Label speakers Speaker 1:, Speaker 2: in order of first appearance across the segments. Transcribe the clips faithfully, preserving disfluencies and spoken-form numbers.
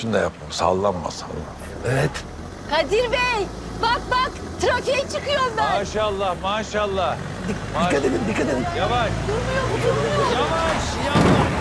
Speaker 1: şunu da yapma. Sallanma sallanma.
Speaker 2: Evet.
Speaker 3: Kadir Bey, bak bak trafiğe çıkıyorum ben.
Speaker 1: Maşallah maşallah.
Speaker 2: Dik- dikkat edin, dikkat edin.
Speaker 1: Yavaş.
Speaker 3: Durmuyor bu durmuyor.
Speaker 1: Yavaş yavaş.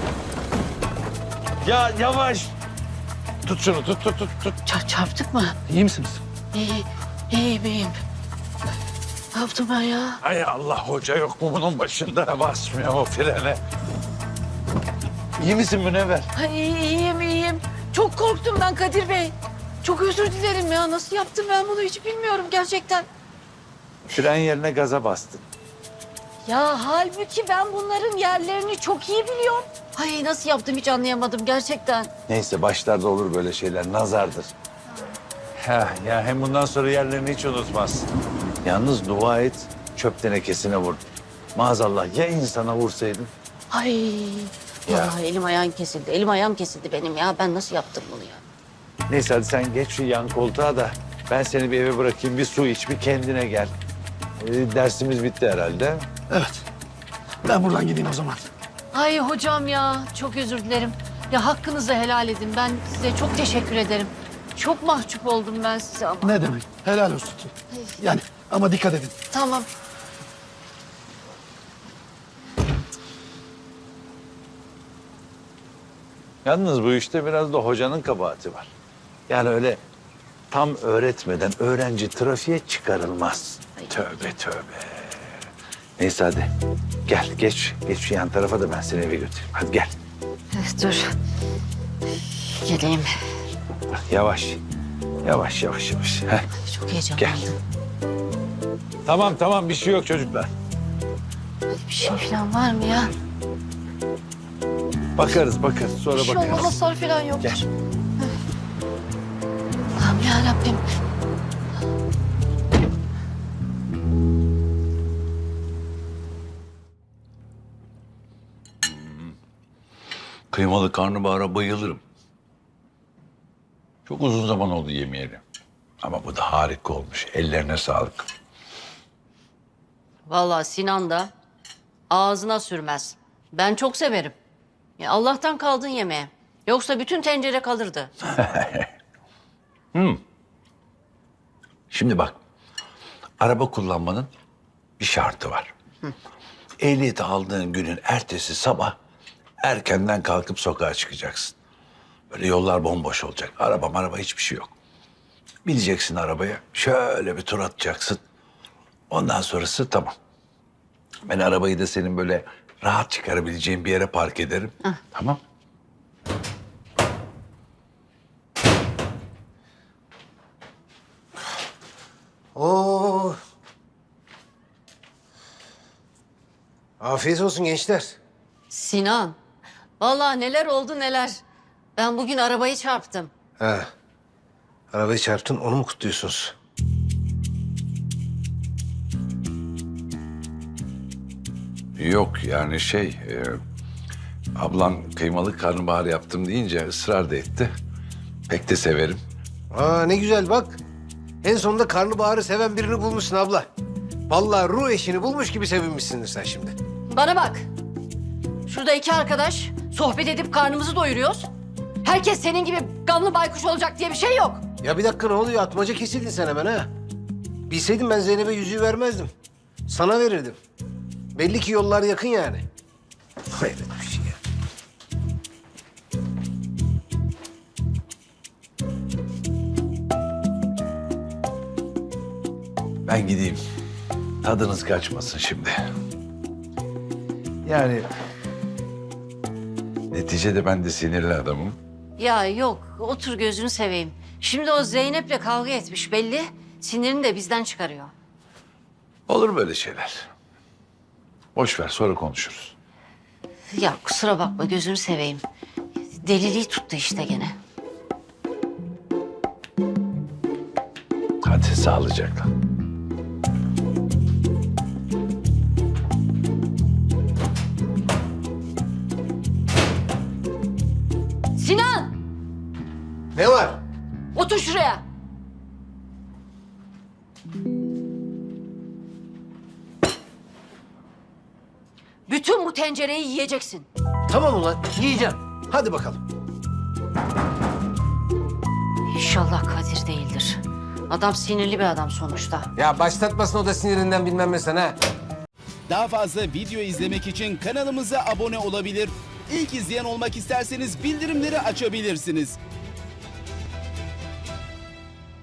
Speaker 1: Ya yavaş. Tut şunu tut tut tut. tut.
Speaker 3: Çar- çarptık mı?
Speaker 2: İyi misiniz?
Speaker 3: İyi, iyiyim iyiyim. Ne yaptım ben ya?
Speaker 1: Ay Allah, hoca yok mu bunun başında? Basmıyor o frene. İyi misin Münevver?
Speaker 3: Ay, iyiyim iyiyim. Çok korktum ben Kadir Bey. Çok özür dilerim ya. Nasıl yaptım ben bunu hiç bilmiyorum gerçekten.
Speaker 1: Fren yerine gaza bastın.
Speaker 3: Ya halbuki ben bunların yerlerini çok iyi biliyorum. Ay nasıl yaptım hiç anlayamadım gerçekten.
Speaker 1: Neyse, başlarda olur böyle şeyler, nazardır. Ha, ya hem bundan sonra yerlerini hiç unutmazsın. Yalnız dua et, çöp tenekesine vurdun. Maazallah ya insana vursaydın?
Speaker 3: Ay
Speaker 1: Ya.
Speaker 3: vallahi elim ayağım kesildi. Elim ayağım kesildi benim ya. Ben nasıl yaptım bunu ya?
Speaker 1: Neyse hadi sen geç şu yan koltuğa da ben seni bir eve bırakayım, bir su iç, bir kendine gel. Ee, dersimiz bitti herhalde.
Speaker 2: Evet. Ben buradan gideyim o zaman.
Speaker 3: Ay hocam ya çok özür dilerim. Ya hakkınızı helal edin. Ben size çok teşekkür ederim. Çok mahcup oldum ben size ama.
Speaker 2: Ne demek? Helal olsun. Yani ama dikkat edin.
Speaker 3: Tamam.
Speaker 1: Yalnız bu işte biraz da hocanın kabahati var. Yani öyle tam öğretmeden öğrenci trafiğe çıkarılmaz.
Speaker 3: Ay.
Speaker 1: Tövbe tövbe. Neyse hadi gel geç. Geç şu yan tarafa da ben seni eve götüreyim. Hadi gel.
Speaker 3: Dur. Geleyim.
Speaker 1: Bak, yavaş. Yavaş yavaş yavaş. Heh.
Speaker 3: Çok heyecanlandım.
Speaker 1: Tamam tamam, bir şey yok çocuklar.
Speaker 3: Bir şey falan var mı ya?
Speaker 1: Bakarız bakarız sonra
Speaker 3: Bir şey
Speaker 1: bakarız.
Speaker 3: olmaz hasar falan yoktur.
Speaker 1: Gel.
Speaker 3: Tamam ya Rabbim.
Speaker 1: Kıymalı karnabahara bayılırım. Çok uzun zaman oldu yemeyeli. Ama bu da harika olmuş. Ellerine sağlık.
Speaker 3: Vallahi Sinan da ağzına sürmez. Ben çok severim. Ya Allah'tan kaldın yemeğe. Yoksa bütün tencere kalırdı.
Speaker 1: Şimdi bak, araba kullanmanın bir şartı var. Ehliyeti aldığın günün ertesi sabah erkenden kalkıp sokağa çıkacaksın. Böyle yollar bomboş olacak. Araba maraba hiçbir şey yok. Bineceksin arabaya, şöyle bir tur atacaksın. Ondan sonrası tamam. Ben arabayı da senin böyle rahat çıkarabileceğin bir yere park ederim. Tamam.
Speaker 4: Oo. Afiyet olsun gençler.
Speaker 3: Sinan, vallahi neler oldu neler. Ben bugün arabayı çarptım.
Speaker 4: Ha. Arabayı çarptın, onu mu kutluyorsunuz?
Speaker 1: Yok yani şey, e, ablan kıymalı karnabahar yaptım deyince ısrar da etti. Pek de severim.
Speaker 4: Aa ne güzel bak. En sonunda karnabaharı seven birini bulmuşsun abla. Vallahi ruh eşini bulmuş gibi sevinmişsindir sen şimdi.
Speaker 3: Bana bak. Şurada iki arkadaş sohbet edip karnımızı doyuruyoruz. Herkes senin gibi gamlı baykuş olacak diye bir şey yok.
Speaker 4: Ya bir dakika, ne oluyor? Atmaca kesildin sen hemen ha. Bilseydim ben Zeynep'e yüzüğü vermezdim. Sana verirdim. Belli ki yollar yakın yani. Hayret bir şey ya.
Speaker 1: Ben gideyim. Tadınız kaçmasın şimdi. Yani neticede ben de sinirli adamım.
Speaker 3: Ya yok, otur gözünü seveyim. Şimdi o Zeynep'le kavga etmiş belli. Sinirini de bizden çıkarıyor.
Speaker 1: Olur böyle şeyler. Boş ver, sonra konuşuruz.
Speaker 3: Ya kusura bakma gözünü seveyim. Deliliği tuttu işte gene.
Speaker 1: Hadi sağlıcakla.
Speaker 3: Sinan!
Speaker 4: Ne var?
Speaker 3: Otur şuraya. Bütün bu tencereyi yiyeceksin.
Speaker 4: Tamam ulan, yiyeceğim. Hadi bakalım.
Speaker 3: İnşallah Kadir değildir. Adam sinirli bir adam sonuçta.
Speaker 4: Ya başlatmasın o da sinirinden bilmem ne sana.
Speaker 5: Daha fazla video izlemek için kanalımıza abone olabilir. İlk izleyen olmak isterseniz bildirimleri açabilirsiniz.